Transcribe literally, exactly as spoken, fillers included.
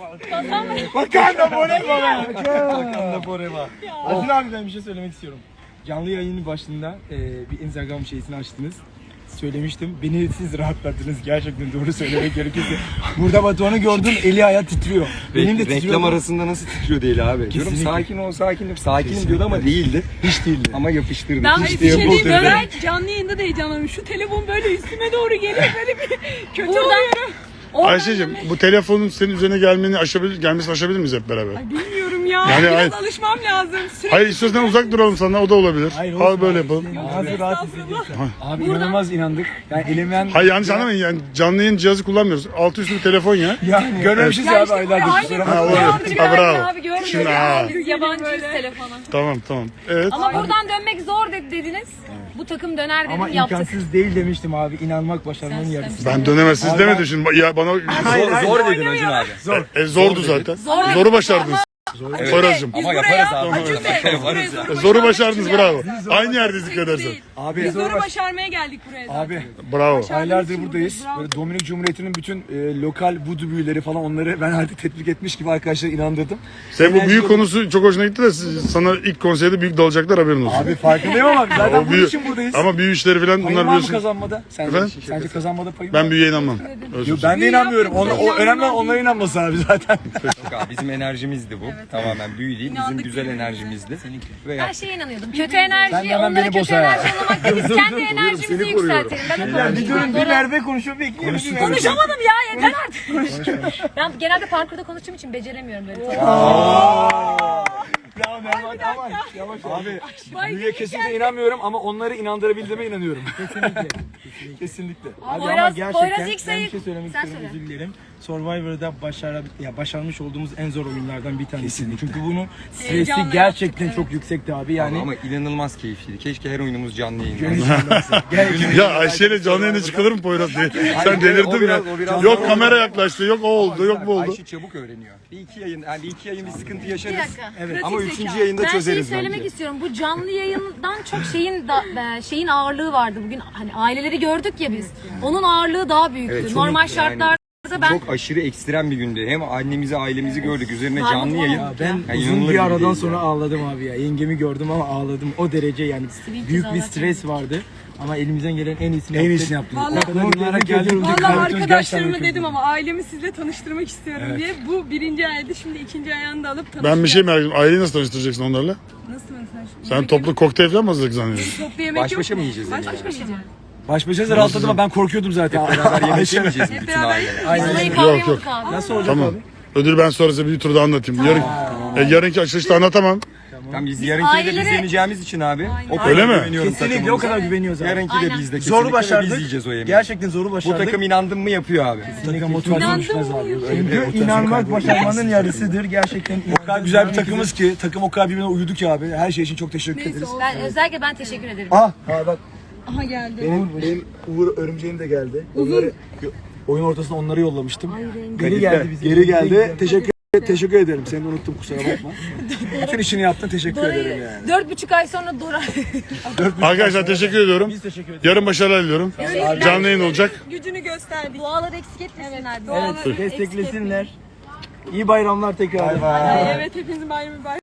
Wakanda forever. Wakanda forever. Acun abi ben bir şey söylemek istiyorum. Canlı yayının başında e, bir Instagram şeysini açtınız. Söylemiştim. Beni siz rahatlattınız. Gerçekten doğru söylemek gerekirse. Burada Batuhan'ı gördüm. Eli ayağı titriyor. Benim de titriyor. Reklam arasında nasıl titriyor değil abi. Diyorum sakin ol sakinim. Sakinim diyordu ama değildi. Hiç değildi. Ama yapıştırdı. Ben İşte bir şey diyeyim, yapıştırdı. ben canlı yayında da heyecanlanıyorum. Şu telefon böyle üstüme doğru geliyor, böyle bir kötü oluyorum. Ayşe'cim bu telefonun senin üzerine gelmeni aşabilir, gelmesini aşabilir miyiz hep beraber? Ay bilmiyorum ya, Yani biraz hayır. alışmam lazım. Sürekli Hayır istiyorsan uzak duralım sana o da olabilir. Hayır, Al böyle yapalım. Ağzı rahat hissediyorsun. Abi inanılmaz inandık. Yani elinden... Hayır yanlış anlamayın yani canlı yayın cihazı kullanmıyoruz. Altı üstü bir telefon ya. Yani görmemişiz ya abi aylardır. Kusura Ha, bakma. olur. Ha, bravo. Abi görmüyorum. Şimdi ha. Biz yabancıyız telefona. Tamam tamam. Evet. Ama buradan dönmek zor dedi, dediniz. Bu takım döner dedim, Ama yaptık. imkansız değil demiştim abi. İnanmak başarmanın yarısı. Ben dönemezsiniz demedim şimdi. Ya bana Zor, zor dedin Acun abi. zor. E, zordu zaten. Zoru başardınız. Poyraz'cığım. Ama yaparız abi. Acun Bey, Yaparız buraya ya. zoru Zoru başarmak başardınız için bravo. geldik. Aynı yerdeyiz dikkat edersen. Değil. Abi Biz zoru başarmaya geldik buraya zaten. Abi Bravo. aylardır buradayız. Böyle Dominik Cumhuriyeti'nin bütün e, lokal vudu büyüleri falan onları ben artık tetbik etmiş gibi arkadaşlara inandırdım. Sen bu Enerji büyük dolu- konusu çok hoşuna gitti de siz- sana ilk konserde büyük dalacaklar haberin olsun. Abi farkındayım ama zaten O bunun büyü- için buradayız. Ama büyü işleri falan Payım bunlar var mı biliyorsun. kazanmada? Sence, Efendim? sence kazanmada payım Ben var? büyüye inanmam. Özür Yok, dilerim. ben de inanmıyorum. Ona, o İnanmam önemli olan değil. onların inanması abi zaten. Yok abi, bizim enerjimizdi bu. Tamamen büyü değil. Bizim İnandık güzel birbirimize. enerjimizdi. Ve Her şeye inanıyordum. Kötü enerji, Sen de hemen onlara beni kötü boza ya. enerji yollamak değil. Biz kendi enerjimizi yükseltelim. Ben o kadar Bir durun bir Doğru. Merve konuşuyor bekliyorum. Bir Merve. Konuşamadım ya, yeter artık. Ben genelde parkurda konuştuğum için beceremiyorum böyle. Ya Merve aman yavaş. Abi büyüye kesinlikle inanmıyorum ama onları inandırabildiğime inanıyorum. Kesinlikle. Kesinlikle. Abi ama Poyraz- gerçekten Poyraz ilk ben sayı- bir şey söylemek Sen istiyorum söyle. özür dilerim. Survivor'da başara, ya başarmış olduğumuz en zor oyunlardan bir tanesi. Çünkü bunun stresi Heyecanla gerçekten yaptık, çok yüksekti abi yani. ama inanılmaz keyifliydi. Keşke her oyunumuz canlı yayın. Gerçekten. Ya Ayşe'yle canlı yayına çıkılır mı Poyraz diye. Sen Hayır, o delirdin ya. biraz- o biraz- Yok kamera yaklaştı, yok o oldu, yok bu oldu. Ayşe çabuk öğreniyor. Bir iki yayın, yani bir iki yayın bir sıkıntı Bir yaşarız. dakika. Ama Pratik üçüncü zeka. yayında Ben şeyi çözeriz söylemek bence. istiyorum. Bu canlı yayından çok şeyin da, e, şeyin ağırlığı vardı. Bugün hani aileleri gördük ya biz. Onun ağırlığı daha büyüktü. Evet, çok Normal yani şartlarda ben Çok aşırı ekstrem bir gündü. Hem annemizi, ailemizi gördük. Üzerine Var mı canlı bu? yayın. Ya Ben Yani uzun inanılır bir gibi aradan değil sonra ya. ağladım abi ya. Yengemi gördüm ama ağladım. O derece yani Büyük büyük bir cezalar stres vardı. Ama elimizden gelen en iyisini En yaptık. iyisini yaptık. Vallahi- O kadar yıllara geldim. Valla arkadaşlarıma dedim ama ailemi sizle tanıştırmak istiyorum Evet. diye. Bu birinci aydı, şimdi ikinci ayağını da alıp tanışacağız. Ben bir şey merak ediyorum. Aileyi nasıl tanıştıracaksın onlarla? Nasıl mesela? Sen toplu kokteyl falan mı hazırlık zannediyorsun? Toplu yemek Baş yok başa mu? mı yiyeceğiz Baş yani? başa mı yiyeceğiz? Baş başa da rahatladım ama ben korkuyordum zaten. Beraber yemek yemeyeceğiz mi Hep bütün beraber aileler? biz olayı Yok, kavrayamadık yok. abi. Nasıl olacak Tamam. abi? Ödül ben sonra size bir turda anlatayım. Yarın, e, yarınki açılışta anlatamam. Tamam, biz yarınki de aileleri- biz yeneceğimiz için abi. O kadar Öyle mi? güveniyorum Kesinlikle o takımımıza. kadar güveniyoruz abi. Yarınki de Aynen. bizde kesinlikle Zoru ve biz başardık. yiyeceğiz o yemeği. Gerçekten zoru Bu başardık. takım inandın mı yapıyor abi. Takım motivasyon İnandın düşmez mı? abi. Öyle bir Çünkü motivasyon inanmak kaybı. başarmanın yarısıdır. Gerçekten o kadar güzel bir takımız ki. Takım o kadar birbirine uyudu ki abi. Her şey için çok teşekkür Neyse, ederiz. olsun. Ben özellikle ben teşekkür ederim. Ah, ha bak Aha geldi. benim, benim Uğur örümceğim de geldi. Onları oyun ortasında onları yollamıştım. Geri geldi bize. Geri geldi. Teşekkür teşekkür ederim. Seni unuttum kusura bakma. Bütün işini yaptın teşekkür ederim yani. Dört buçuk ay sonra Dora. Arkadaşlar teşekkür ediyorum. Biz teşekkür ederiz. Yarın başarılar diliyorum. Canlı yayın olacak. Gücünü gösterdik. Duaları eksik etmesinler. Doğal Evet desteklesinler. İyi bayramlar tekrar. Ay, evet, hepinizin bayramı mübarek.